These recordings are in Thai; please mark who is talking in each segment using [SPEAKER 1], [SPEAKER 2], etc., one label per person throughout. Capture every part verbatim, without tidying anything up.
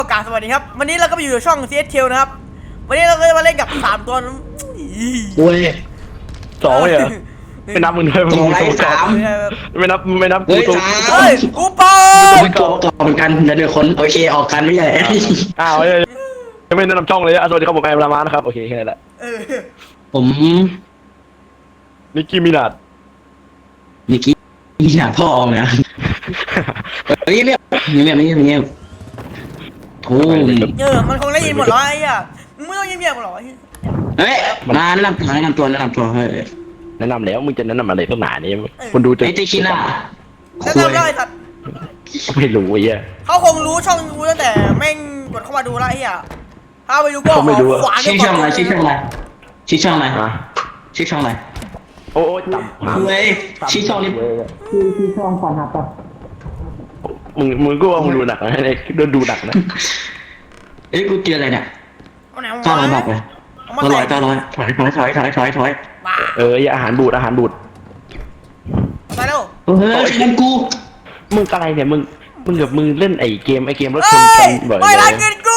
[SPEAKER 1] กาสวัสดีครับวันนี้เราก็มาอยู่ในช่อง ซี เอส เค นะครับวันนี้เราก็จะมาเล่นกับสามตัว
[SPEAKER 2] โอ้ย
[SPEAKER 3] สองเลยเหรอไม่นับมึงด้วยมึง
[SPEAKER 2] สองไร้สาม
[SPEAKER 3] ไม่นับไม่นับกู
[SPEAKER 2] เฮ้ย
[SPEAKER 3] ตัว
[SPEAKER 2] สาม
[SPEAKER 1] เฮ้ยกูเปิ
[SPEAKER 2] เป็
[SPEAKER 1] ด
[SPEAKER 2] นตัวประกอบเหมือนกันเดี๋ยวเดี๋ยวคนโอเคออกกันไม่ใช่
[SPEAKER 3] อ้าวยังไม่แนะนำช่องเลยอ่ะสวัสดีครับผมแอมรามานะครับโอเคแค่นั้นแหละ
[SPEAKER 1] เออ
[SPEAKER 2] ผม
[SPEAKER 3] นิกกี้มินาด
[SPEAKER 2] นิกกี้มีหน้าพ่อออกนะเฮ้ยเงียบเงียบเงียบเงียบโอ้ย
[SPEAKER 1] เออมันคงได้ยินหมดแล้วไอ้อ่ะมึงไม่ต้องเงียบๆหรอก
[SPEAKER 2] เฮ้ยมาแนะนำตัวแนะนำตัวแนะนำตัวเฮ้ย
[SPEAKER 3] แนะนำแล้วมึงจะแนะนำอะไรตั้งหนานี่คนดูจะ
[SPEAKER 2] ไอ้เจคิน่า
[SPEAKER 1] แล้ว
[SPEAKER 2] คุย
[SPEAKER 1] ทำได้สัตว์
[SPEAKER 3] ไม่รู้ไอ้เหี้ย
[SPEAKER 1] เขาคงรู้ช่องกูตั้งแต่แม่งกดเข้ามาดูแล้วไอ้อ่ะถ้าไปดูก็ขวาน
[SPEAKER 2] ชื่อช่องอะไรชื่อช่องอะไรชื่อช่องอะไร
[SPEAKER 3] ฮะ
[SPEAKER 2] ชื่อช่องอะไร
[SPEAKER 3] โอ้ยต่ำ
[SPEAKER 2] คุยชื่อช่องนี้ชื่อชื่อช่องฟันฮับปะ
[SPEAKER 3] มึงมึงก็ว่ามึงดูหนักนะไอ้โดนดูหนักนะ
[SPEAKER 2] เอ้ยกูเจออะไรเนี่ย
[SPEAKER 1] เอาไหน
[SPEAKER 2] เก้าร้อยบาท
[SPEAKER 1] วะ
[SPEAKER 2] เลย
[SPEAKER 1] เอามา
[SPEAKER 2] เก้าร้อย
[SPEAKER 1] ใส่
[SPEAKER 2] เก้าร้อยถอยถอยถอยถอยถอยถอย
[SPEAKER 1] บ้า
[SPEAKER 3] เอออาหารบูดอาหารบูด
[SPEAKER 1] ใส่เร็ว
[SPEAKER 2] เฮ้ยเงินกู
[SPEAKER 3] มึงอะไรเนี่ยมึงมึงกับมึงเล่นไอ้เกมไอ้เกมรถช
[SPEAKER 1] เฮ้
[SPEAKER 3] นกั
[SPEAKER 1] ย
[SPEAKER 3] นบ่อย
[SPEAKER 1] ไม่
[SPEAKER 3] เล
[SPEAKER 1] รัก
[SPEAKER 3] ย
[SPEAKER 1] เงินกู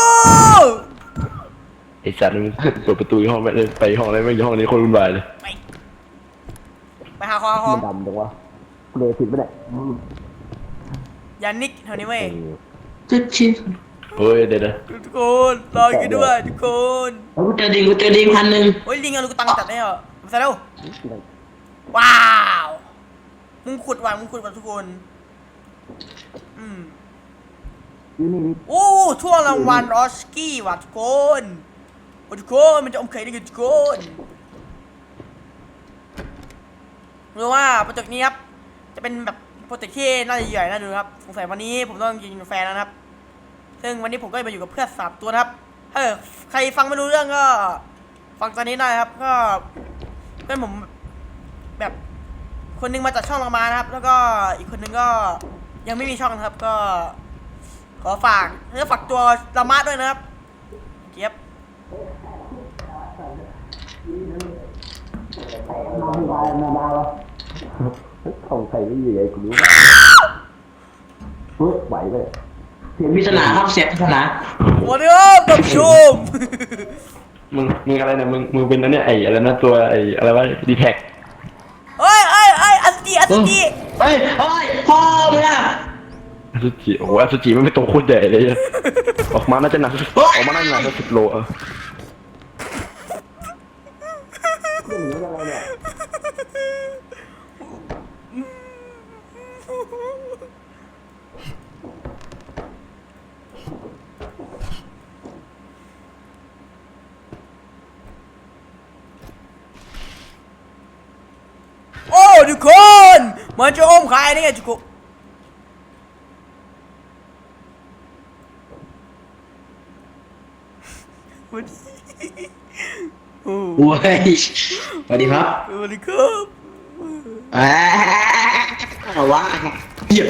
[SPEAKER 3] ไอ้สัตว์มึงเปิดประตูห้องไปเลยไปห้องอะไรไม่ห้องนี้คนวุ่นวายเลย
[SPEAKER 1] ไปไปหาคอคอม
[SPEAKER 3] ดำจังวะเลยผิดไม่ได้
[SPEAKER 1] ยันนิกแถวนี้เว้ย
[SPEAKER 2] จะชิน
[SPEAKER 3] เฮ้ยเดี๋ยวนะ
[SPEAKER 1] ทุกคนรออยู่ด้วยทุกคน
[SPEAKER 2] กูเจอดิงกูเจอดิงพันหนึ่ง
[SPEAKER 1] โอ้ยลิงเอาลูกตังจัดได้เหรอมาใส่เร็วว้าวมึงขุดว่ะมึงขุดว่ะทุกคนอืมโอ้ช่วงรางวัลออสกี้ว่ะทุกคนโอ้ทุกคนมันจะอมไข่ได้กันทุกคนรู้ว่าโปรเจกต์นี้ครับจะเป็นแบบโปรเจกต์ที่น่าจะใหญ่น่าดูครับสงสัยวันนี้ผมต้องกินกาแฟแล้วนะครับซึ่งวันนี้ผมก็มาอยู่กับเพื่อนสามตัวนะครับถ้าใครฟังไม่รู้เรื่องก็ฟังตอนนี้ได้ครับก็เพื่อนผมแบบคนนึงมาจากช่องเรามานะครับแล้วก็อีกคนนึงก็ยังไม่มีช่องนะครับก็ขอฝากแล้วฝากตัวละมาด้วยนะครับเก็บ
[SPEAKER 3] ของใครไม่อยู่ไอ้กูรู้เฮ้ยไหวเลย
[SPEAKER 2] เสียงพิศนาครับเสียงพิศนา
[SPEAKER 1] วันนี้ครับท่านผู้ชม
[SPEAKER 3] มึงมึงอะไรเนี่ยมึงมึงเป็นนั่นเนี่ยไอ้อะไรนะตัวไอ้อะไรวะดีแท็ก
[SPEAKER 1] เฮ้ยเฮ้ยเฮ้ยอัสจีอัสจี
[SPEAKER 2] เฮ้ยเฮ้ยพ่อมึงอะ
[SPEAKER 3] อสุจิโอ้โหอสุจิมันเป็นตัวโคตรใหญ่เลยอะออกมาน่าจะหนักออกมาน่าจะหนักสักสิบโลเออ
[SPEAKER 1] โอ้ทุกคนมันจะอมใครเนี่ยทุกคนวันนี้โอ้
[SPEAKER 2] โอ้ยสวัสดีครับ
[SPEAKER 1] สวัสดีครับ
[SPEAKER 2] อ่าว้าเหี้ย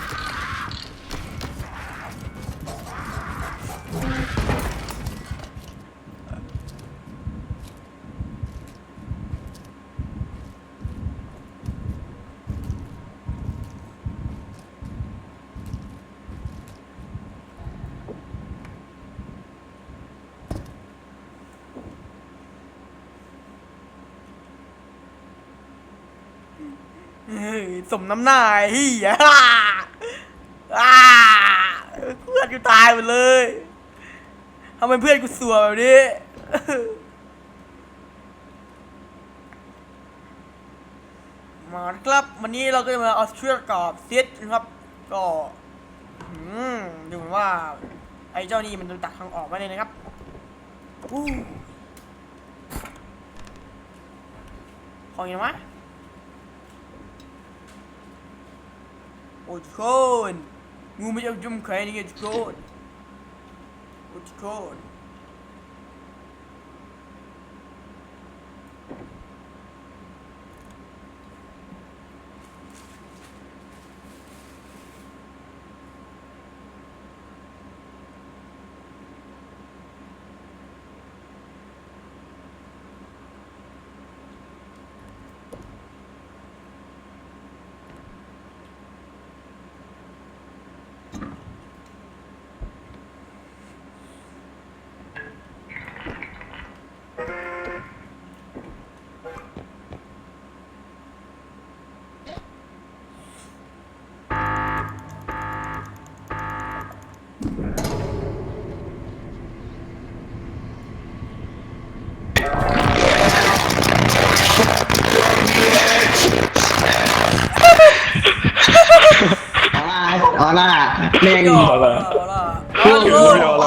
[SPEAKER 1] เฮ้ยสมน้ำหน้าไอ้เฮียอ่าเพื่อนกูตายหมดเลยทำไมเพื่อนกูสัวแบบนี้มาครับวันนี้เราก็จะมาเอาเชือกกับเซตนะครับก็อืมดูเหมือนว่าไอ้เจ้านี่มันจะตัดทางออกมาเลยนะครับอู้ของยังไงวะโอ้ทุกคนงูไม่เอาจุ่มใครนี่ไงทุกคนโอ้ทุกคน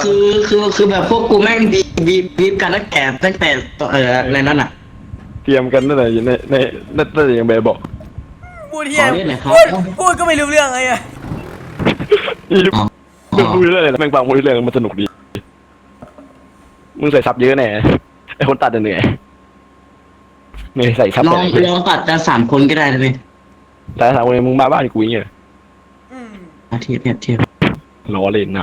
[SPEAKER 2] คือคือคือแบบพวกกูแม่งบีบีบีบกันตั้งแต่ตั้งแต่เอออะไรนั่นอ่ะ
[SPEAKER 3] เตรียมกันตั้งแต่ในในนั่นตั้งแต่ยังแบบบอก
[SPEAKER 1] พูดเฮีย
[SPEAKER 2] ขอเรียกหน่อยครับ
[SPEAKER 1] พูดพูดก็ไม่รู้เรื่องเลยอะ
[SPEAKER 3] นี่มึงพูดเรื่องอะไรแม่งฟังพูดเรื่องมันสนุกดีมึงใส่ซับเยอะแน่ไอคนตัดเหนื่อยไม่ใส่ซับ
[SPEAKER 2] ลองลองตัดจะสามคนก็ได้นะพี่
[SPEAKER 3] แต่ถามว่ามึงมาบ้านกูอย่างเงี้ย
[SPEAKER 1] อืม
[SPEAKER 2] อาทิตย์เนี่ยเทียบ
[SPEAKER 3] ล้อเล่นนะ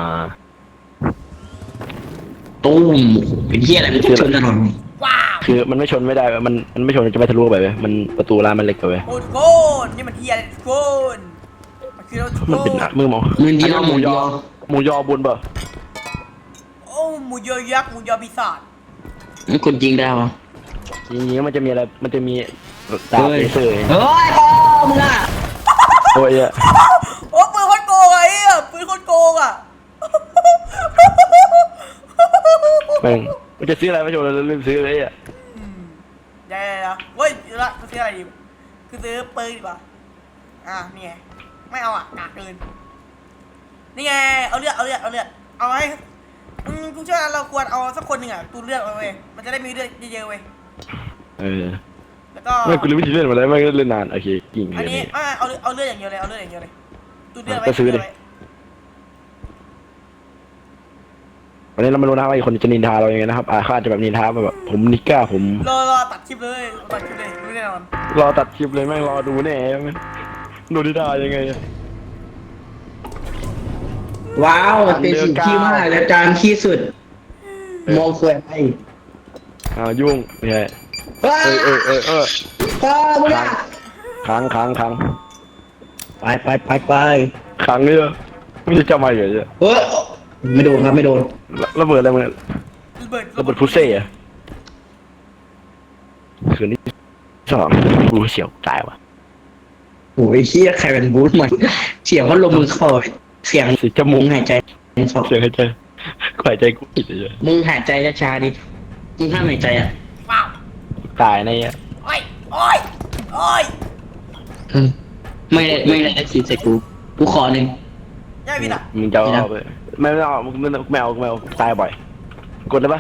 [SPEAKER 2] ตุ้มเป็นเที่ยอะไรมันชนถนน
[SPEAKER 1] ว้าว
[SPEAKER 3] คือมันไม่ชนไม่ได้มันมันไม่ชนจะไม่ทะลุไปเว้ยมันประตูร้านมันเล็กไปเว้ย
[SPEAKER 1] โอ้ทุกคน นี่มันเฮียอะไรทุกคน มันคือรถทุก
[SPEAKER 3] มัน
[SPEAKER 1] ค
[SPEAKER 3] เป็น
[SPEAKER 1] น
[SPEAKER 3] หนักมือมอง
[SPEAKER 2] มือเดียว
[SPEAKER 3] ห
[SPEAKER 2] มื
[SPEAKER 3] มู
[SPEAKER 2] อย เดี
[SPEAKER 3] อ
[SPEAKER 2] ยว
[SPEAKER 3] หมูยอบนเปล่า
[SPEAKER 1] โอ้หมูยอยักษ์หมูยอปีศาจ
[SPEAKER 2] มันคนจริงได้ปะ
[SPEAKER 3] จริงๆมันจะมีอะไรมันจะมีดาบเลเซอร์
[SPEAKER 2] เฮ้ยพ่อมึงอ่ะ
[SPEAKER 3] โอ้ยอะ
[SPEAKER 1] โอ้ปืนโคตรโกงอะไอ้เหี้ยปืนโคตรโกงอะ
[SPEAKER 3] แม่งมันจะซื้ออะไรไม่ชนแล้วลืมซื้อเลยอะ
[SPEAKER 1] อืมเดี๋ยวๆๆเว้ยเดี๋ยวละกูซื้ออะไรดีคือซื้อปืนดีกว่าอ่ะนี่ไงไม่เอาอ่ะกากเกินนี่ไงเอาเลือดเอาเลือดเอาเลือดเอาให้อืมกูเชื่อว่าเราควรเอาสักคนหนึ่งอ่ะตูเลือดเอาเว้ยมันจะได้มีเลือดเยอะๆเว้ย
[SPEAKER 3] เออ
[SPEAKER 1] แล้วก็
[SPEAKER 3] ไม่กูลืมวิธีเล่นมาแล้วไม่เล่นนานโอเคกิ่ง
[SPEAKER 1] อัน
[SPEAKER 3] เลย
[SPEAKER 1] นี้
[SPEAKER 3] นี่
[SPEAKER 1] ไม่เอาเอาเลือดอย่างเดียวเลยเอาเลือดอย่างเดียวเลยตูเลือดไว้
[SPEAKER 3] ก็ซื้อดิ
[SPEAKER 1] ไว้
[SPEAKER 3] วันนี้เรามารู้นะว่าอีกคนจะนินทาเรายังไงนะครับอาเขาอาจจะแบบนินทาแบบผมนิก้าผม
[SPEAKER 1] รอรอตัดคลิปเลยตัดคลิปเลยรู้แน่นอน
[SPEAKER 3] รอตัดคลิปเลยแม่งรอดูแน่แม่งดูนินทายังไงอะ
[SPEAKER 2] ว้าวเป็นสิ่งที่มากและจานที่สุดมองสวยไป
[SPEAKER 3] อ้าวยุ่งไม่ใช่
[SPEAKER 2] เฮ้
[SPEAKER 3] เออเออเออเออ
[SPEAKER 2] พ่อมึงอ่ะ
[SPEAKER 3] ค้างค้างค้าง
[SPEAKER 2] ไปไปไปไป
[SPEAKER 3] ค้างเนี่ยไม่ได้จำอะไรเลยเนี่ย
[SPEAKER 2] เฮ้ยไม่โดนครับไม่โดน
[SPEAKER 3] ระเบิดอะไรมึง
[SPEAKER 1] ระเบิด
[SPEAKER 3] ระเบิดพุเซ่อะคืนที่สองกูเฉียวตายว่ะ
[SPEAKER 2] โอ้ยเฮียใครเป็นบูธมันเสียงเขาลมมือเข้าเสียง
[SPEAKER 3] สีจมู
[SPEAKER 2] มึ
[SPEAKER 3] ก
[SPEAKER 2] งหายใจสอง
[SPEAKER 3] เสียงหายใจกูหายใจกูผิดเลย
[SPEAKER 2] มึงหายใจช้าๆดิมึงห้ามหายใจอ่ะ
[SPEAKER 1] ว้าว
[SPEAKER 3] ตายในเนี่ย
[SPEAKER 1] โอ้ยโอ้ยโอ้ย
[SPEAKER 2] อืมไม่ได้ไม่ได้คิดใส่กูกูขอหนึ่ง
[SPEAKER 1] ย่าวินอ่ะ
[SPEAKER 3] มึงจะเอาไปไม่ไม่เอาไม่เอาไม่เอาไม่เอาตายบ่อยกดได้ปะ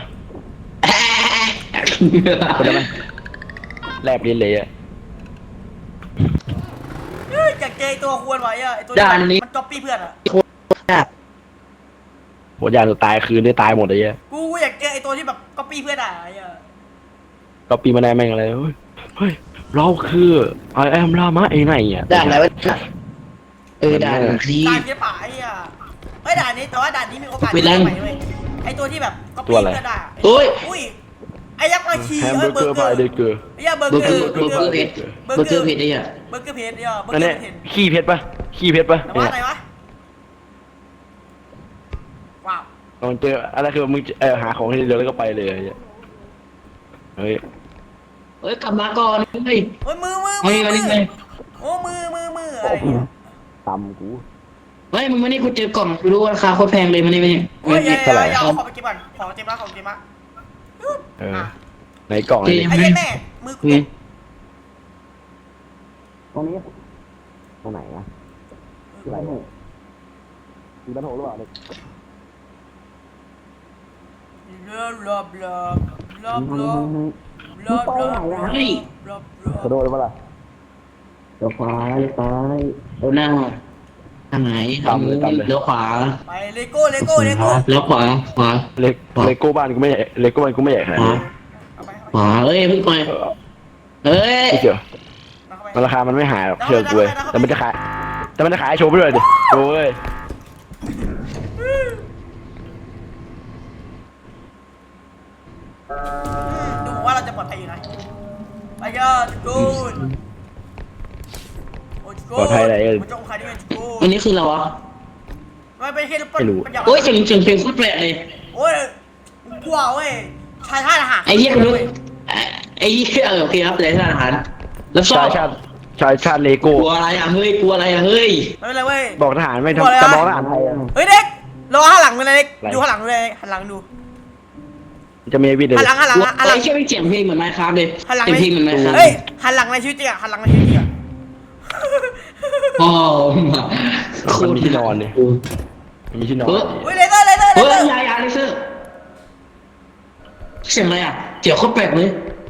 [SPEAKER 3] กดได้ปะแลบลิ้นเลยอะ
[SPEAKER 1] เฮ้ยอยากเจอไอ้ตัวควรไว้อะไอ้ตัว
[SPEAKER 2] ด่านนี้
[SPEAKER 1] มันก๊อปปี้เพื่อนอะ
[SPEAKER 3] โหยานตายคืนได้ตายหมดเลยอะ
[SPEAKER 1] กูอยากเจอไอ้ตัวที่แบบก๊อปปี้เพื่อนอะไอ้อะ
[SPEAKER 3] ก็ปีมาแน่แม่งอะไรเฮ้ยเฮ้ยเราคือไอแอมลามะเองไงอ่ะ
[SPEAKER 2] ด่านอะไรวะเออด่านคลี
[SPEAKER 1] ด่านเจ๊ป่าไอ้อะเฮ้ยด่านนี้แต่ว่าด่านนี้มีโอกาส
[SPEAKER 2] เป็นไร
[SPEAKER 1] ใหม่เว้ยไอ้ตัวที่แบบก๊อปปี้เพื่อนอะ
[SPEAKER 2] โอ้ย
[SPEAKER 1] อุ้ยไอ้ยักษ์มาชี
[SPEAKER 3] แฮม
[SPEAKER 1] เฮ้
[SPEAKER 3] เบอย ร์
[SPEAKER 1] เบ
[SPEAKER 3] เก
[SPEAKER 1] อ
[SPEAKER 3] อ
[SPEAKER 1] ร์
[SPEAKER 3] ร์
[SPEAKER 1] เก
[SPEAKER 3] บา
[SPEAKER 1] อย ร์
[SPEAKER 3] เดเกอร์
[SPEAKER 1] ไอ้ยาเบอร์
[SPEAKER 2] เบอ
[SPEAKER 1] เก
[SPEAKER 2] ร์
[SPEAKER 1] อ
[SPEAKER 2] เกอ
[SPEAKER 1] ร์
[SPEAKER 2] ร์เบอร์เกอร์เผ็ดเบอร์เกอร์เผ็ดไอ้เหี้ย
[SPEAKER 1] เบอร์เกอร์เพจเนี่ยเบอร์
[SPEAKER 3] อัน
[SPEAKER 1] เกอ
[SPEAKER 3] นี้
[SPEAKER 1] ร์เพจ
[SPEAKER 3] ขี้เพชรปะขี้เพชรปะ
[SPEAKER 1] แต่ว่าอะไรวะว้าว
[SPEAKER 3] ลองเจออะไรคือมึงเออหาของที่เดียวแล้วก็ไปเลยเฮ้ย
[SPEAKER 2] เฮ้ยกลับมาก่อนเฮ้ย
[SPEAKER 1] เฮ้ยมือมือ
[SPEAKER 2] เฮ้
[SPEAKER 1] มื
[SPEAKER 2] ย
[SPEAKER 1] อ
[SPEAKER 2] มา
[SPEAKER 1] มื
[SPEAKER 2] นี่
[SPEAKER 1] อ
[SPEAKER 2] เลย
[SPEAKER 1] โอ้มือมือมืออะไรเนี่ย
[SPEAKER 3] ตำกู
[SPEAKER 2] เฮ้ยมึงมานี่กูเจอกล่องกูรู้ว่าราคาโคตรแพงเลยมานี่มานี่
[SPEAKER 1] โอ้ยอย่า
[SPEAKER 3] เท่าไหร่
[SPEAKER 1] อย่าเอาของไปเก็บก่อนของเก็บละของเก็บละ
[SPEAKER 3] เออในกล่องอะไร
[SPEAKER 1] ไอ้เหี้ยแม่มือกู
[SPEAKER 2] นี่
[SPEAKER 3] ตรงนี้ตรงไหนนะอะไรมีบ้านโหหรือเปล่า
[SPEAKER 1] บลาบลาบลาบลาบลาบลาบลาบลาบลา
[SPEAKER 3] กระโดดมาล่ะ
[SPEAKER 2] เลี้ยวขวาเลี้ยวซ้ายเลี้ยวหน้าทางไหนทางนี้เลี้ยวขวา
[SPEAKER 1] ไปเลโก้เลโก้เลโก้
[SPEAKER 2] เลี้ยวขวาขวา
[SPEAKER 3] เล็กเลโก้บ้านกูไม่ใหญ่เลโก้บ้านกูไม่ใหญ่ขนาด
[SPEAKER 2] ขวา
[SPEAKER 3] นี้
[SPEAKER 1] เอาไป
[SPEAKER 2] ขวาเอ้ยเพิ่งไปเอ้ย
[SPEAKER 3] ไม่เกี่ยว
[SPEAKER 1] เอาไป
[SPEAKER 3] มันราคามันไม่หายหรอกเชื่อกูเลยแต่มันจะขายแต่มันจะขายโชว์ไปด้วยดิโอ้ย
[SPEAKER 1] ดูว่าเราจะปลอดภัยอยู่นะไปยอดกูนโอ้กูมันจะองค์ใครได้ไงกู
[SPEAKER 2] อันนี้คืออะไรวะ
[SPEAKER 1] ไม่เป็นแค่ลูกปั้น
[SPEAKER 2] โอ้ยเสียงเสียงเพลงโคตรแปลกเลย
[SPEAKER 1] โอ้ยกลัวเว้ยชายท่าทหาร
[SPEAKER 2] ไอ้เหี้ยกูรู้ไอ้เหี้ยเออโอเคครับเลยท่านอาหารแล้วชอ
[SPEAKER 3] ชา
[SPEAKER 2] บ
[SPEAKER 3] ยชาติชายชาติเลโก้
[SPEAKER 2] กลัวอะไรอ่ะเฮ้ยกลัวอะไรอ่ะเฮ้ย
[SPEAKER 1] ไม่เป็นไรเว้ย
[SPEAKER 3] บอกทหารไม่ทำจะมองทหารไทย
[SPEAKER 1] เฮ้ยเด็กรอหันหลังไปเลยเด็กดูหันหลังดูเลยหันหลังดู
[SPEAKER 3] จะมีวิดีโอ
[SPEAKER 1] หันหลังหันหลังหันหลัง
[SPEAKER 2] ไอ้เชี่ยไม่เสียงเพลงเหมือนไมค์ครับเลย
[SPEAKER 1] หันหลัง
[SPEAKER 2] เสียงเพลงเหมือนไมค์ครับ
[SPEAKER 1] เฮ้ยหันหลังในชีวิตจริงอะหันหลังในชีวิตจริงอะ
[SPEAKER 2] อ๋อ
[SPEAKER 3] มันมีที่นอนเนี่ยมีที่นอน
[SPEAKER 2] เฮ้ย
[SPEAKER 1] เฮ้ยเลเซอร์เลเซอร์เล
[SPEAKER 2] เฮ้ย
[SPEAKER 1] เซอร์
[SPEAKER 2] ยายาเลเซอเสียงอะไรอ่ะเสียงโคตรแปลกเลย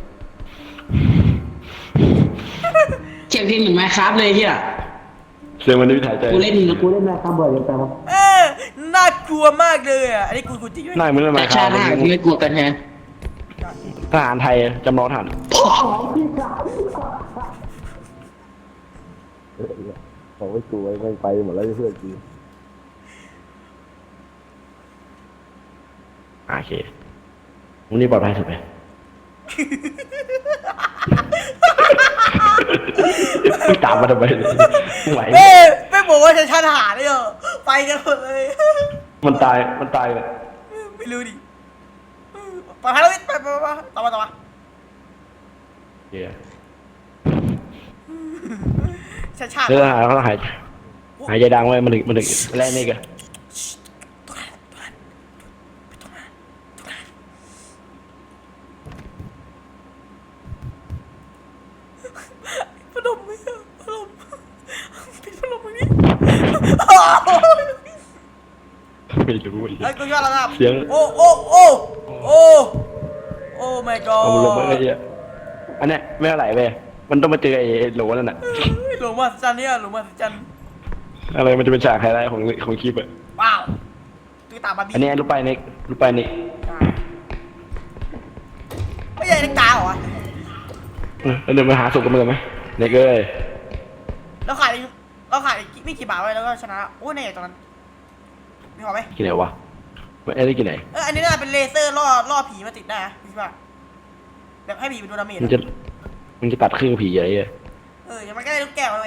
[SPEAKER 2] เสียงเพลงเหมือนไมค์ครับเลยเฮีย
[SPEAKER 3] เสียงมันไม่ถ่ายใจ
[SPEAKER 2] กูเล่นกูเล่นไมค์ครับบ่อยเกินไปครับ
[SPEAKER 1] เออน่ากลัวมากเลยอ่ะอันนี้กูกูจริงด้วย
[SPEAKER 3] หน้ามึงเลยมา
[SPEAKER 2] แต่
[SPEAKER 3] ค
[SPEAKER 2] ชา
[SPEAKER 3] รับ
[SPEAKER 2] ติหน้ากูไม่กลัวกันแฮะ
[SPEAKER 3] ทหารไทยจำลองทหารเขาไม่กลัวไม่ไปหมดแล้วเพื่อนกูโอเคมึงนี่ปลอดภัยสุดไหมมึงตามมาทำไมมึงไหว
[SPEAKER 1] เอ้ยไม่บอกว่าจะชาติทหารเลยเหรอไปกันหมดเลย
[SPEAKER 3] มันตายมันตายเลย
[SPEAKER 1] ไม่รู้ดิไปพาเราไปไปไปไปต่อมาต่อมา
[SPEAKER 3] เฮีย
[SPEAKER 1] ชาติชาติ
[SPEAKER 3] เรื่องทหารเขาหายหายใจดังไว้มันถึงมันถึงแรกนี่กัน
[SPEAKER 1] พัดลมไม่เอาพัดลมปิดพัดลมตรงนี้
[SPEAKER 3] ไม่รู้อีก
[SPEAKER 1] ไอ้กูยอดแล้วนะ
[SPEAKER 3] เสียง
[SPEAKER 1] โอ้โอ้โอ้โอ้โอ้ my god
[SPEAKER 3] เอามันลงมาไอ้เหี้ยอันเนี้ยไม่เท่าไหร่เว้ยมันต้องมาเจอไอ้โหลนั่นน่ะ
[SPEAKER 1] หลงมาสัจจันเนี่ยหลงมาสัจจัน
[SPEAKER 3] อะไรมันจะเป็นฉากไฮไลท์ของของคลิปอะ
[SPEAKER 1] ว้าวตุ๊กตาบาร์บี้
[SPEAKER 3] อันนี้ลูกไปเน็กลูกไปเน็ก
[SPEAKER 1] ไม่ใช่เล็กตาเหรอ
[SPEAKER 3] เออแล้วเดี๋ยวมาหาศพกันเมือไหมเน็กเอ้ย
[SPEAKER 1] เราขายเราขายไม่กี่บาทไว้แล้วก็ชนะโอ้ในตอนนั้นมีพอไหม
[SPEAKER 3] กี่ไหนวะไม่ได้กี่ไหน
[SPEAKER 1] เอออันนี้น่าเป็นเลเซอร์ล่อล่อผีมาติดได้นะพี่ว่าแบบให้ผีเป็นโดนดาเมจ
[SPEAKER 3] มันจะมันจะตัดครึ่งผีอะไรเงี้ย
[SPEAKER 1] เออยังมันก็ได้ลูกแก้วเลย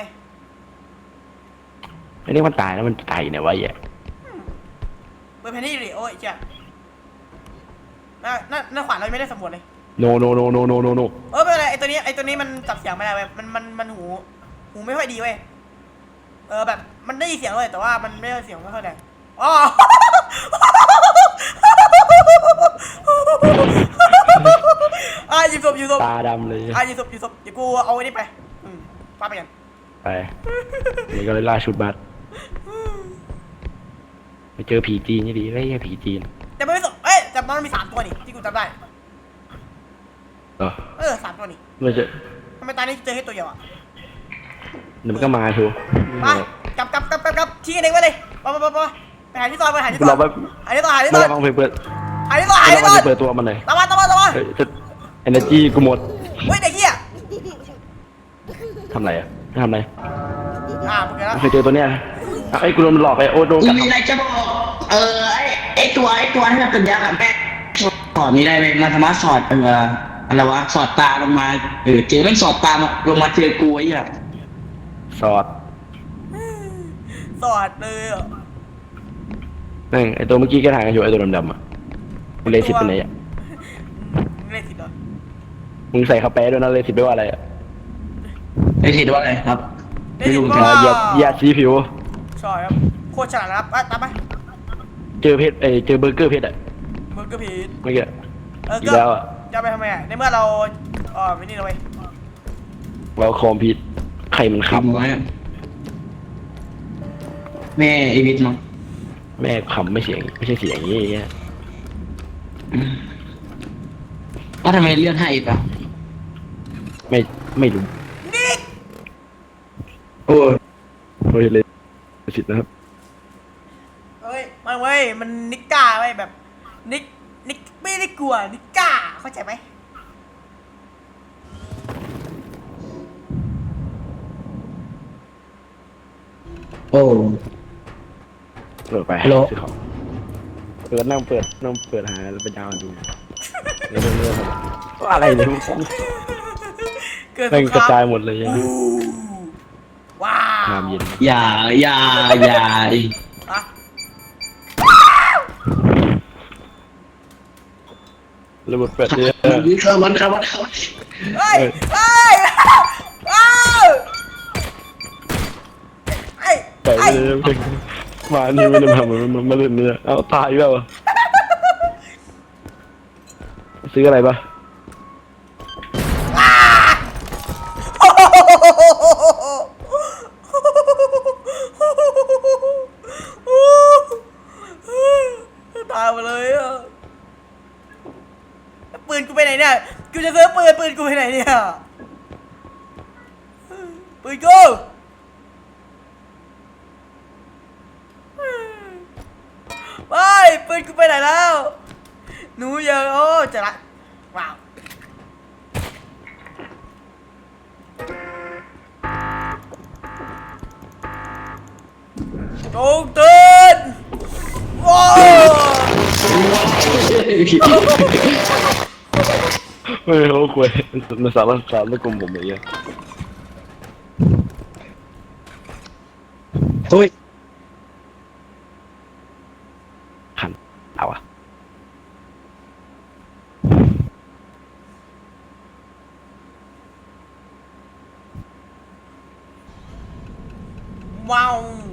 [SPEAKER 3] อันนี้มันตายแล้วมันตายอยู่ไหนวะไอ้เหี้ย
[SPEAKER 1] เปิดแผนที่ดิโอ้ยเจ้าน่าน่าน่าขวานเราไม่ได้สำรวจเลย
[SPEAKER 3] โนโนโนโนโนโนโน
[SPEAKER 1] เออไม่เป็นไรไอตัวนี้ไอตัวนี้มันจับเสียงไม่ได้เว้ยมันมันมันหูหูไม่ค่อยดีเว้ยเออแบบมันได้ยินเสียงเลยแต่ว่ามันไม่ได้เสียงไม่ค่อยดังอ๋อ อ่ะหยิบศพหยิบศพ
[SPEAKER 3] ตาดำเลย
[SPEAKER 1] อ่ะหยิบศพหยิบศพเดี๋ยวกูเอาไว้นี่ไปอืมป้าไปกัน
[SPEAKER 3] ไปนี่ก็เลยล่าชุดบัตรไปเจอผีจีนนี่ดีไอ้ยผีจีน
[SPEAKER 1] แต่ไม่ศพเอ้ยแต่มันมีสามตัวนี่ที่กูจำได้
[SPEAKER 3] เออ
[SPEAKER 1] เออสามตัวนี่
[SPEAKER 3] มันจะ
[SPEAKER 1] ทำไมตายนี่เจอแค่ตัวเดียวอ่ะ
[SPEAKER 3] เดี๋ยวมันก็มาชัวร์
[SPEAKER 1] ไปกลับกลับกลับกลับกลับชี้กันเองไว้เลยไปไปไปไปไปหาที่ซอยไปหาที่ซอย
[SPEAKER 3] เราไป
[SPEAKER 1] หาที่ซอยหาที่ซ
[SPEAKER 3] ไม่
[SPEAKER 1] อย
[SPEAKER 3] ได้ฟังเพลงเปิด
[SPEAKER 1] หาที่ซอยหา
[SPEAKER 3] ไม่
[SPEAKER 1] ที่
[SPEAKER 3] ได้
[SPEAKER 1] ซ
[SPEAKER 3] ฟั
[SPEAKER 1] อง ย
[SPEAKER 3] เพลงเปิดตัวมันเลย
[SPEAKER 1] ตามมาตามมาตามมา
[SPEAKER 3] เฮ้ยจะ energy กูหมด
[SPEAKER 1] เฮ้ยเด็กเหี้ย
[SPEAKER 3] ทำไรอ่ะไม่ทำไร
[SPEAKER 1] อ่ามึงกันแล้ว
[SPEAKER 3] เคยเจอตัวเนี้ยไอ้ยกูโดนมันหลอกไปโอ้โดน
[SPEAKER 2] กู
[SPEAKER 3] กัด
[SPEAKER 2] มีอะไรจะบอกเออไอไอตัวไอตัวที่มันเป็นยักษ์อะแม่งสอดนี้ได้ไหมมันสามารถสอดเอออะไรวะสอดตาลงมาเออเจอแม่งสอดตามาลงมาเจอกูไอ้เหี้ย
[SPEAKER 3] สอด
[SPEAKER 1] สอดเลยอ่ะ
[SPEAKER 3] นั่งไอ้ตัวเมื่อกี้แกถ่ายกันอยู่ไอ้ตัวดำๆอ่ะมึงเลสิตเป็นไงอ่ะ
[SPEAKER 1] มึงเล่นสิเหรอ
[SPEAKER 3] มึงใส่คาแปะด้วยนะเลสิตไม่ว่าอะไรอ่ะ
[SPEAKER 2] ไอ้เห็นว่าอะไรครับไม่รู้เหมือนกัน
[SPEAKER 3] อย่าอย่าชี้ผิว
[SPEAKER 1] ใช่ครับโคตรฉลาดนะครับอ่ะตามไป
[SPEAKER 3] เจอเพชรเอ้ยเจอเบอร์เกอร์เพชรอ่ะ
[SPEAKER 1] มึงก็ผิด
[SPEAKER 3] เมื่อกี้
[SPEAKER 1] เออ
[SPEAKER 3] อี
[SPEAKER 1] ก็
[SPEAKER 3] กแล้วอ่ะ
[SPEAKER 1] จะไปทำไมอ่ะในเมื่อเราเออไม่นี่เลย
[SPEAKER 3] เราคอมพิวใครมัน
[SPEAKER 2] ขับ
[SPEAKER 3] ขำ
[SPEAKER 2] ไว้แม่ไอวิทย์มั้ง
[SPEAKER 3] แม่ขำไม่เสียงไม่ใช่เสียงอย่างนี้
[SPEAKER 2] ว่าทำไมเลื่อนให้อีกอ่ะ
[SPEAKER 3] ไม่ไม่รู้
[SPEAKER 1] นิก
[SPEAKER 2] โอ้ย
[SPEAKER 3] เฮ้ยเลยสิทธิ์นะครับ
[SPEAKER 1] เฮ้ยไมันเว้ยมันนิกก้าเว้ยแบบนิกนิกไม่ได้กลัวนิกก้าเข้าใจไหม
[SPEAKER 2] โอ้
[SPEAKER 3] เปิดไป
[SPEAKER 2] ฮัลโหล
[SPEAKER 3] ซื้อของเปิดนั่งเปิดนั่งเปิดหาแล้วไปดาวน์ดูเรื่องเรื่องอะไรเนี่ย
[SPEAKER 1] เกิดส
[SPEAKER 3] แม่ง
[SPEAKER 1] งค
[SPEAKER 3] กระ
[SPEAKER 1] ราม
[SPEAKER 3] จายหมดเลย
[SPEAKER 1] อู้ว้าว
[SPEAKER 3] น้ำเย็น
[SPEAKER 2] อย่าอย่าอย่าอีก
[SPEAKER 1] อะ
[SPEAKER 3] ระเบิดเปิดเนี่ย
[SPEAKER 2] มันเข้ามันเข้ามันเข้า
[SPEAKER 1] เฮ้ยเฮ้ยอ้าวไอ้
[SPEAKER 3] แต่
[SPEAKER 1] ไอ้
[SPEAKER 3] เลยมานี่ไม่ได้มาเหมือนมันมาเล่นเนี่ยเอาตายแล้วซื้ออะไรปะ
[SPEAKER 1] ตายไปเลยอ่ะปืนกูไปไหนเนี่ยกูจะซื้อปืนปืนกูไปไหนเนี่ยปืนกูไปปืนกูไปไหนแล้วหนูยังโอ้จะละว้าวจงตื่นว้าว
[SPEAKER 3] ไม่เขาคุยมันสารสารแล้วกลมผมอย่างเงี้ย
[SPEAKER 2] เฮ้ย
[SPEAKER 3] หันเอาอะ
[SPEAKER 1] ว้าว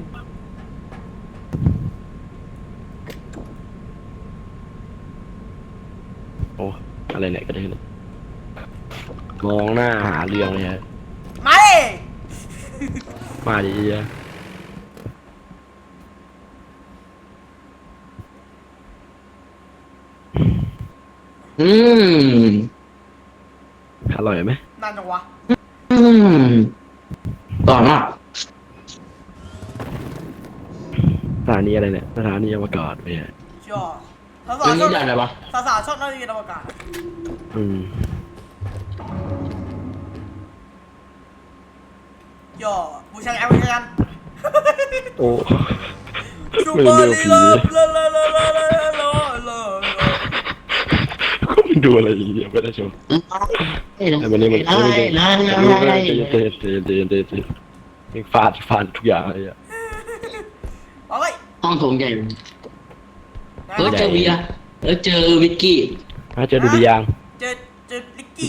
[SPEAKER 3] โอ้อะไรเนี่ยก็ได้เลยมองหน้าหาเรื่องเลยฮะ
[SPEAKER 1] มาดิ
[SPEAKER 3] มาดีอะ
[SPEAKER 2] อืม
[SPEAKER 3] อร่อยไหม
[SPEAKER 1] นั่นจังวะ
[SPEAKER 2] อืมต่อมา
[SPEAKER 3] สถานีอะไรเนี่ยสถานีอวกาศไปฮะ
[SPEAKER 1] ชอบสาว
[SPEAKER 2] เรื่อง
[SPEAKER 1] ๆช
[SPEAKER 2] นี้
[SPEAKER 1] อบ
[SPEAKER 2] ได้อะไรวะ
[SPEAKER 1] สาวๆชอบนักเรียนอวกาศ
[SPEAKER 3] อืม
[SPEAKER 1] ย่อบูชาแอลบูชากัน
[SPEAKER 3] โอ้
[SPEAKER 1] ชู
[SPEAKER 3] ไม่
[SPEAKER 1] เปอ
[SPEAKER 3] เลื
[SPEAKER 1] ร์
[SPEAKER 3] อก
[SPEAKER 1] ลี
[SPEAKER 3] ผี
[SPEAKER 1] ลา
[SPEAKER 3] เลย
[SPEAKER 1] ลาลาลาลาลาลาลา
[SPEAKER 3] ก็มันดูอะไรอย่างเงี้ยไม่ได้ชม
[SPEAKER 2] เอ้ย
[SPEAKER 3] แต่วันนี้มัน
[SPEAKER 2] ไล่ไล่
[SPEAKER 3] ไม่
[SPEAKER 2] ไล่
[SPEAKER 3] รู้
[SPEAKER 2] ไล่
[SPEAKER 3] เตะเตะเตะเตะเตะเตะฟาดฟาดทุกอย่างเลยอะ
[SPEAKER 1] เอาไว้
[SPEAKER 2] ห้องโถงใหญ่เออเจอเบียร์เออเจอวิกกี้
[SPEAKER 3] มาเจอดูดียาง
[SPEAKER 1] เจอเจอลิกกี้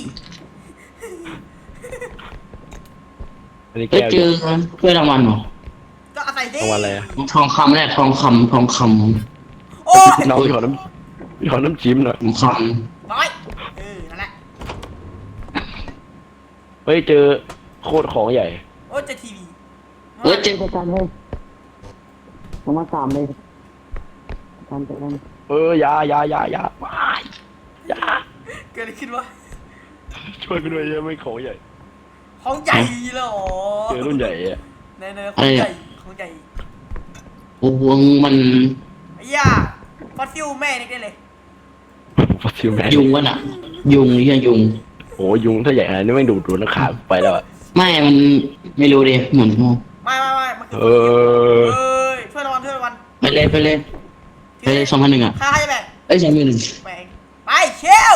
[SPEAKER 3] อันนี้
[SPEAKER 2] เออ
[SPEAKER 3] แก้ว
[SPEAKER 2] เจอถ้วยรางวัลเหรอ
[SPEAKER 1] ก็อาศัยดิ
[SPEAKER 3] รางวัลอะไรอะ
[SPEAKER 2] ทองคำแรกทองคำทองค
[SPEAKER 1] โอ้ย
[SPEAKER 3] น้องขอน้ำขอน้ำจิ้มหน่อย
[SPEAKER 2] ำทองค
[SPEAKER 1] ร้อยเออนั่นแหละ
[SPEAKER 3] เฮ้ยเจอโคตรของใหญ่
[SPEAKER 1] โอ้ยเจอทีวี
[SPEAKER 2] ำเออเจอประกันเลยประมาณสามเลยประกันประกัน
[SPEAKER 3] เออยายายายาว้ายยา
[SPEAKER 1] เกิดอะไรขึ้นวะ
[SPEAKER 3] ช่วยกันด้วยเยอะไม่ของใหญ่
[SPEAKER 1] ของใหญ่เลยเหรอ
[SPEAKER 3] เจอรุ่นใหญ่อะ
[SPEAKER 1] ในในของใหญ่ของใหญ่
[SPEAKER 2] โอ้โหมัน
[SPEAKER 1] ไอ้ย่าฟอสซิลแม่นี่ได้เลย
[SPEAKER 3] ฟอสซิลแมน
[SPEAKER 2] ยุงวะน่ะ ยุงนี่ยุง
[SPEAKER 3] โอ้ยุงถ้าใหญ่ขนาดนี้ไม่ดูดดูดนักขาไปแล้วอะ
[SPEAKER 2] ไม่มันไม่รู้ดิเหมือนงู
[SPEAKER 1] ไม่ไม่ไม่มันคือ
[SPEAKER 3] เออ
[SPEAKER 1] เอ้ยช่วยรางวัลช่วยรางวัล
[SPEAKER 2] ไปเลยไปเลยไปเลยสองพันหนึ่งอ่ะ
[SPEAKER 1] ค่าให้แบ่ง
[SPEAKER 2] เอ้ยสองพันหนึ่ง
[SPEAKER 1] แบ่งไปเชี่ยว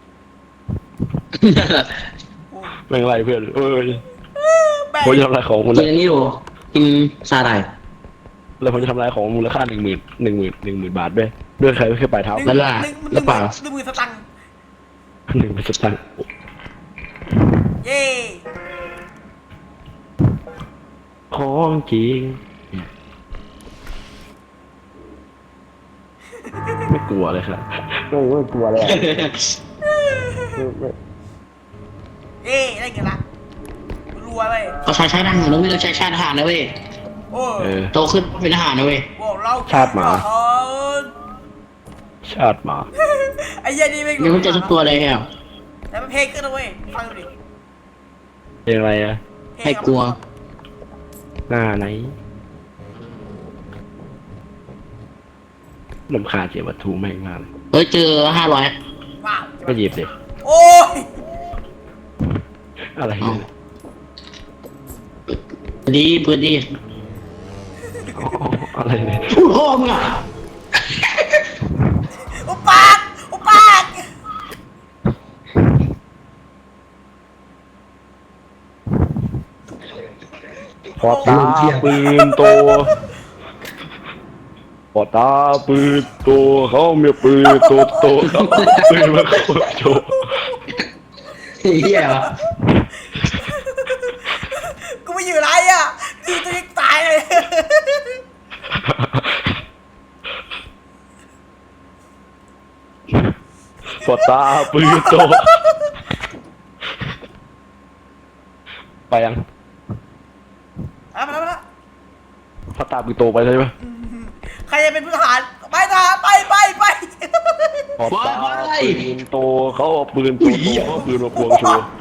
[SPEAKER 1] โอ้ย
[SPEAKER 3] แม่งไรเพื่อนเอ้ย
[SPEAKER 1] แบ่ง
[SPEAKER 3] ผมจะทำลายของมูล
[SPEAKER 2] กินอันนี้ดูกินซาได
[SPEAKER 3] แล้วผมจะทำลายของมูลค่าหนึ่งหมื่นหนึ่งหมื่นหนึ่งหมื่นบาทด้วยด้วยใครไม่เคยปลายเท้า
[SPEAKER 1] หนึ่ง
[SPEAKER 2] แล้วล่ะ
[SPEAKER 1] หนึ่งห
[SPEAKER 2] แล้
[SPEAKER 1] นึ่
[SPEAKER 2] ว
[SPEAKER 1] ง
[SPEAKER 2] เปล่า
[SPEAKER 1] หนึ่งหมื่นสตังค์
[SPEAKER 3] หนึ่งเป็นสตังค์
[SPEAKER 1] เย่
[SPEAKER 3] ของจริงไม่กลัวเลยครับไม่ไม่กลัวเลยอะ
[SPEAKER 1] เย่ได้เงินละรวยเว้ย
[SPEAKER 2] เราใช้ชาติทหารนะเว้ยเราใช้ชาติทหารนะเว้ย
[SPEAKER 1] โอ้
[SPEAKER 3] เออ
[SPEAKER 2] โตขึ้นเป็นทหารนะเว้ย
[SPEAKER 1] โหเรา
[SPEAKER 3] ชาติหมา
[SPEAKER 1] ทหาร
[SPEAKER 3] ชาติหมา
[SPEAKER 1] ไอ้เหี้ยนี่ไม่
[SPEAKER 2] ยังไม่เจอสักตัวเลยอ่ะ
[SPEAKER 1] แต่มันเพลงขึ้นนะเว้ยฟังดูดิ
[SPEAKER 3] เพลงอะไรอะ
[SPEAKER 1] เพลง
[SPEAKER 2] ให้กลัว
[SPEAKER 3] หน้าไหนลำคาญเสียวัตถุแม่งมากเลย
[SPEAKER 2] เฮ้ยเจอห้าร้อย
[SPEAKER 1] ว้าว
[SPEAKER 3] ก็หยิบเลย
[SPEAKER 1] โอ้ย
[SPEAKER 3] อะไรเนี่ย
[SPEAKER 2] ดีเพื่อนดี
[SPEAKER 3] อ๋ออะไรเนี่ย
[SPEAKER 2] พูดพ่อมึงอ่ะ
[SPEAKER 1] อุปากอุปาก
[SPEAKER 3] พอตาปืนโตพอตาปืนโตเขามีปืนโตโตเขาปืนมาโคตรโจ
[SPEAKER 2] เฮียวะ
[SPEAKER 1] กูไม่อยู่ไรอ่ะตีตัวเองตายเลย
[SPEAKER 3] พอตาปืนโตไปยัง
[SPEAKER 1] เอามาแล้วมาแล้ว
[SPEAKER 3] พอตาปืนโตไปใช่ไหม
[SPEAKER 1] ใครจะเป็นผู้ทหารไปทหารไปไปไป
[SPEAKER 3] พอตาปืนโตเขาเอาปืนโตโตเขาเอาปืนมาควงโชว์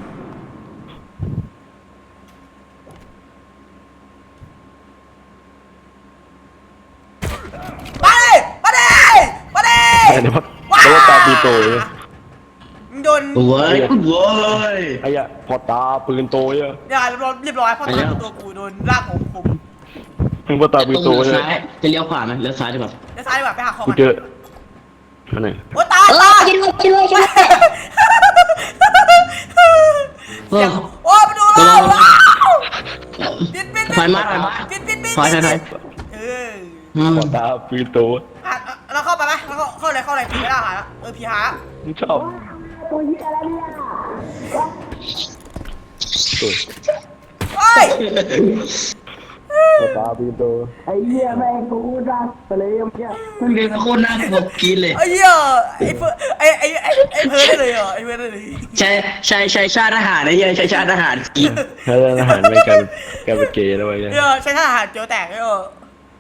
[SPEAKER 1] มาดิมาดิมาดิ
[SPEAKER 3] ไอ้เนี่ยพอเขาตาปืนโตเลย
[SPEAKER 1] มึงโดน
[SPEAKER 2] โว้ยโว้ย
[SPEAKER 3] ไอ้ยะพอตาปืนโตเนี่ย
[SPEAKER 1] อย่าเรียบร้อยเรียบร้อยเพราะตอนตัวกูโดนลากของผม
[SPEAKER 3] มึงพอตาปืนโต
[SPEAKER 2] เลี้
[SPEAKER 3] เนี่ย
[SPEAKER 2] ซ้ายจะเลี้ยวขวาไหมเลี้ยวซ้ายดีกว่า
[SPEAKER 1] เดี๋ยวซ้ายดีกว่าไปหาของ
[SPEAKER 3] กู
[SPEAKER 1] มัน
[SPEAKER 3] เจออันไหน
[SPEAKER 1] โอ้ตาย
[SPEAKER 4] เอ
[SPEAKER 1] ตา
[SPEAKER 4] อย ช่วยด้วยช่วยด้วยช่วยด้วย
[SPEAKER 2] เออ
[SPEAKER 1] โอ้ไปดูเราว้าวปิดปิด
[SPEAKER 2] ถอยมาถอยมา
[SPEAKER 1] ปิดปิดปิด
[SPEAKER 2] ถอยถอยถอย
[SPEAKER 1] เออ
[SPEAKER 2] อืม
[SPEAKER 3] พอตาปืนโต
[SPEAKER 1] อ่ะเราเข้าไปไหมเราเข้าเลยเข้าเลยผีไม่ได้หาแล้วเออผีหา
[SPEAKER 3] มึงชอบตัว
[SPEAKER 1] เฮ้ย
[SPEAKER 3] พอตาปืนโต
[SPEAKER 2] ไอ้เหี้ยแม่งกูรักไปเลยเมื่อกี้มันเรียนโคตรน่ากลัวกินเลย
[SPEAKER 1] ไอ้เหี้ยไอ้เพื่อไอ้ไอ้ไอ้ไอ้เพิร์ดได้เลยเหรอไอ้เพิร์ดได้เลย
[SPEAKER 2] ใช่ใช่ใช่ชาติทหารไอ้เหี้ยใช่ชาติทหารกิน
[SPEAKER 3] ถ้าเรื่องอาหารไม่กลายเป็นกลายเป็นเกย์แล้วไอ้เนี่ย
[SPEAKER 1] เหี้ยใช้ท่าอาหารเจียวแตกเลยเหรอ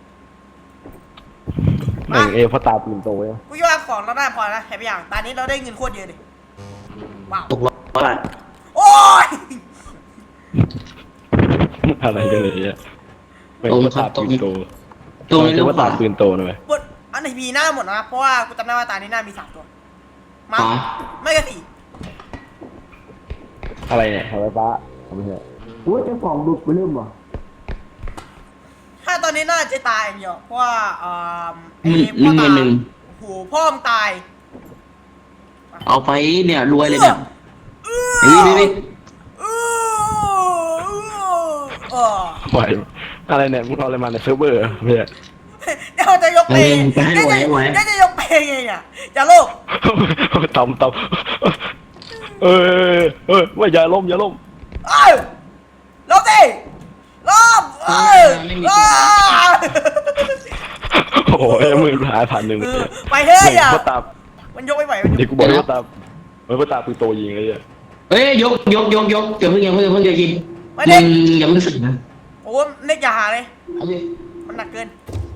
[SPEAKER 3] หนึ่งเอพอตาปืนโตเนี่ย
[SPEAKER 1] กูคิดว่าของเราได้พอนะเห็นไปอย่างตอนนี้เราได้เงินโคตรเยอะเลยว้าว
[SPEAKER 2] ตกรถอ่ะ
[SPEAKER 1] โอ้ย
[SPEAKER 3] อะไรกันเลยเนี่ยไม่พอตาปืนโต
[SPEAKER 2] ตรงนี้
[SPEAKER 3] เรี
[SPEAKER 2] เลี้
[SPEAKER 3] ย
[SPEAKER 2] ยว
[SPEAKER 3] กว่า
[SPEAKER 2] ขวา
[SPEAKER 3] ตาปืนโตนะเว้ย
[SPEAKER 1] หมดอันไหนมีหน้าหมดนะเพราะว่ากูจำได้ว่าตานี้หน้ามีสามตัวมา
[SPEAKER 2] ขวา
[SPEAKER 1] ไม่ก็สี่
[SPEAKER 3] อะไรเนี่ยอะไรฟ้าไม่ใช่
[SPEAKER 2] โอ้ยเจ้าของบุกไปเริ่มว่ะ
[SPEAKER 1] ถ้าตอนนี้น่าจะตายอย่างเดียวเพราะว่าเอ่อ
[SPEAKER 2] หนึ่ง
[SPEAKER 1] ไอ้พ่อ
[SPEAKER 2] หนึ่
[SPEAKER 1] ตาง
[SPEAKER 2] หนึ่ง
[SPEAKER 1] โหพ่อมึงตาย
[SPEAKER 2] เอาไปเนี่ยรวยเลยเนี่ย
[SPEAKER 1] เอ
[SPEAKER 2] นี่นี่นี่
[SPEAKER 1] เออเออ
[SPEAKER 3] ไหวอะไรเนี่ยมึงเอาอะไรมาในเซิร์ฟเวอร์ไม่ใช่
[SPEAKER 1] เดี๋ยวจะยกเพลงเดี๋ยวจะเดี๋ยวจะยกเพลงไงเนี่ยอย่าโลภ
[SPEAKER 3] ตำตำเออเออว่าอย่าล้มอย่าล้ม
[SPEAKER 1] เอ้ยลบสิลบเอ้ยลบ
[SPEAKER 3] โอ้ยมือหายผ่านหนึ่ง
[SPEAKER 1] เออไปเฮ้ยอ่ะ
[SPEAKER 3] พ่อตา
[SPEAKER 1] มันยกไม่ไหวมันย
[SPEAKER 3] เด็ก
[SPEAKER 1] ก
[SPEAKER 3] กูบอกให้พ่อตาเฮ้ยพ่อตาปืนโตยิงเลยอ่ะ
[SPEAKER 2] เอ้ยยกยกยกยกอย่าเพิ่งอย่าเพิ่งอย่าเพิ่งอย่ากิน
[SPEAKER 1] ไม่
[SPEAKER 2] มึ
[SPEAKER 1] ได้
[SPEAKER 2] งอย่าเพิ่งสึกนะ
[SPEAKER 1] โอ้เน็กอย่าหาเลย
[SPEAKER 2] เอาดิ
[SPEAKER 1] มันหนักเกิน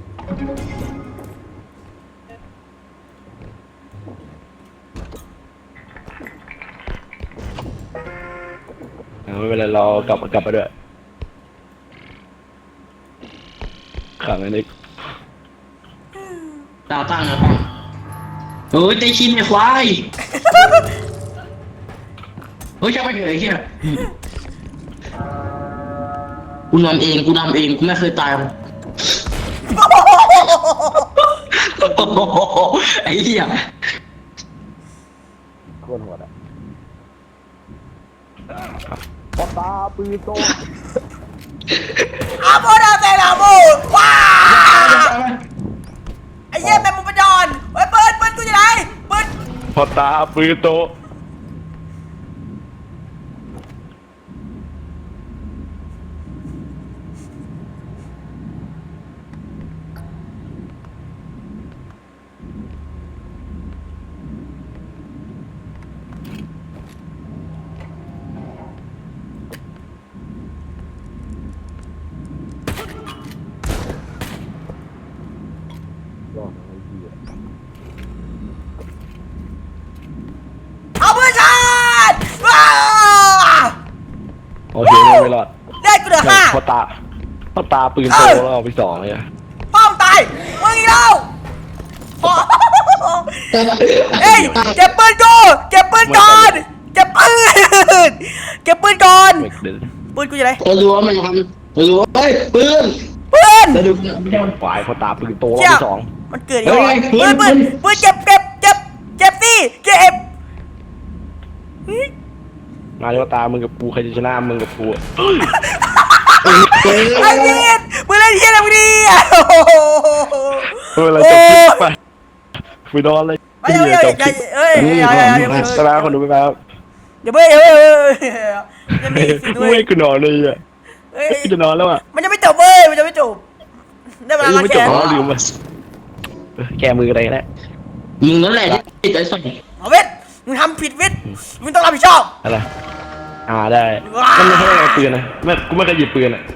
[SPEAKER 3] ไม่เป็นไรเรากลับกลับไปด้วยขังไอ้นี่
[SPEAKER 2] ตาตั้งนะตั้งเฮ้ยใจชินไอ้ควายเฮ้ยจะไปเถอะไอ้เหี้ยกูนำเองกูนำเองกูไม่เคยตายหรอกไอ้เหี้ย
[SPEAKER 3] โคตรโหดอ่ะพ่อตาปืนโต
[SPEAKER 1] อาโมดาเซนาโมว้าไอ้เหี้ยแมงมุมประจอนเฮ้ยเปิดเปิดกูจะไหนเปิด
[SPEAKER 3] พ่อตาปืนโตยอดไอ้เหี้ย
[SPEAKER 1] เอาเพื่อนฉันว้า
[SPEAKER 3] โอเคไม่ไม่รอด
[SPEAKER 1] ได้กูเหลือห้า
[SPEAKER 3] พ่อตาพ่อตาปืนโตแล้วเอาไปสองเลยอะ
[SPEAKER 1] ป้อมตายมึงอีกแล้วโอ้เอ้ยเก็บปืนกูเก็บปืนก่อนเก็บปืนเก็บปืนก่อน
[SPEAKER 3] ไม่เดิน
[SPEAKER 1] ปืนกูอยู่ไหน
[SPEAKER 2] เรารู้ว่ามันทำเรารู้ว่าเฮ้ยปืน
[SPEAKER 1] ปืน
[SPEAKER 2] เราดู
[SPEAKER 3] ฝ่ายพ่อตาปืนโตรอบ
[SPEAKER 1] เชี่ย
[SPEAKER 3] ที่สอง
[SPEAKER 1] มันเกิดอีกแล้ว
[SPEAKER 2] เฮ้ย
[SPEAKER 1] ปืน
[SPEAKER 2] ปื
[SPEAKER 1] ปืน
[SPEAKER 2] น
[SPEAKER 1] ปืนเก็บเก็บเก็บเก็บสิเก็บ
[SPEAKER 3] มาเจ้าตามึงกับกูใครจะชนะมึงกับกูอะ
[SPEAKER 1] ไอ้เหี้ยมึงเล่นเหี้ยอะไรมึงดีอ่ะโอ้โห
[SPEAKER 3] เออเราจบคลิปไปไปนอนเลย
[SPEAKER 1] ไม่เอาอย่า
[SPEAKER 3] จ
[SPEAKER 1] อย่า
[SPEAKER 3] บคลิป
[SPEAKER 1] เอ้ยอย่าอย่าอย่าอย่า
[SPEAKER 3] สลาคนดูไปแล้ว
[SPEAKER 1] อย่าเบ้ยอย่าเบ้ยอย่ามีสิด้ว
[SPEAKER 3] ไม่
[SPEAKER 1] ย
[SPEAKER 3] กูนอนเลยอ่ะ
[SPEAKER 1] เอ้ย
[SPEAKER 3] กูจะนอนแล้วอ่ะ
[SPEAKER 1] มันจะไม่จบเว้ยมันจะไม่จบได้เวลา
[SPEAKER 3] ยัง
[SPEAKER 1] ล้าง
[SPEAKER 3] ไม่
[SPEAKER 1] แข
[SPEAKER 3] จบ
[SPEAKER 1] น
[SPEAKER 3] อ๋อลืมอ่ะแกมืออะไรกันแน่
[SPEAKER 2] มึงนั่นแหละที่ใจสั่น
[SPEAKER 1] เอาเวทมึงทำผิดวิทย์มึงต้องรับผิดชอบ
[SPEAKER 3] อะไรอ่าได้
[SPEAKER 1] ว้า
[SPEAKER 3] มันไม่ใช่เอาปืนนะไม่กูไม่เคยหยิบปืนอ่ะ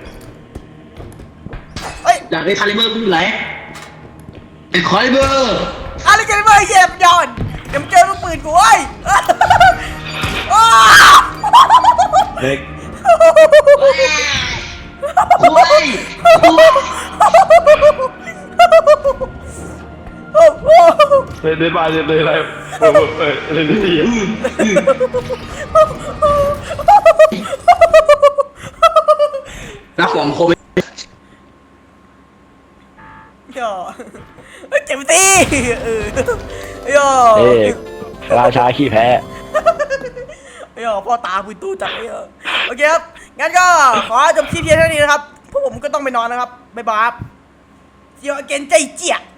[SPEAKER 1] เฮ้ย
[SPEAKER 2] อยากได้คาลิเบอร์กูอยู่ไหนไอ้คาลิเบอร์
[SPEAKER 1] อะไรกันเว้ยเหี้ยมันย้อนเดี๋ยวนกูเอ้ยอ้า
[SPEAKER 3] เด็ก
[SPEAKER 2] โอ้ย
[SPEAKER 1] โอ้โห
[SPEAKER 3] เล่นเล่นมาเล่นเลยอะไรเออเออเล่นดี
[SPEAKER 2] แล้วของโควิด
[SPEAKER 1] ย่อเจ็บตีเออย่อ
[SPEAKER 3] เอ้ราชาขี้แพ้
[SPEAKER 1] ย่อพ่อตาปุยตู้จับเออโอเคครับงั้นก็ขอจบคลิปเพียงเท่านี้นะครับพวกผมก็ต้องไปนอนนะครับบ๊ายบายครับเจียวเกนใจเจี๊ย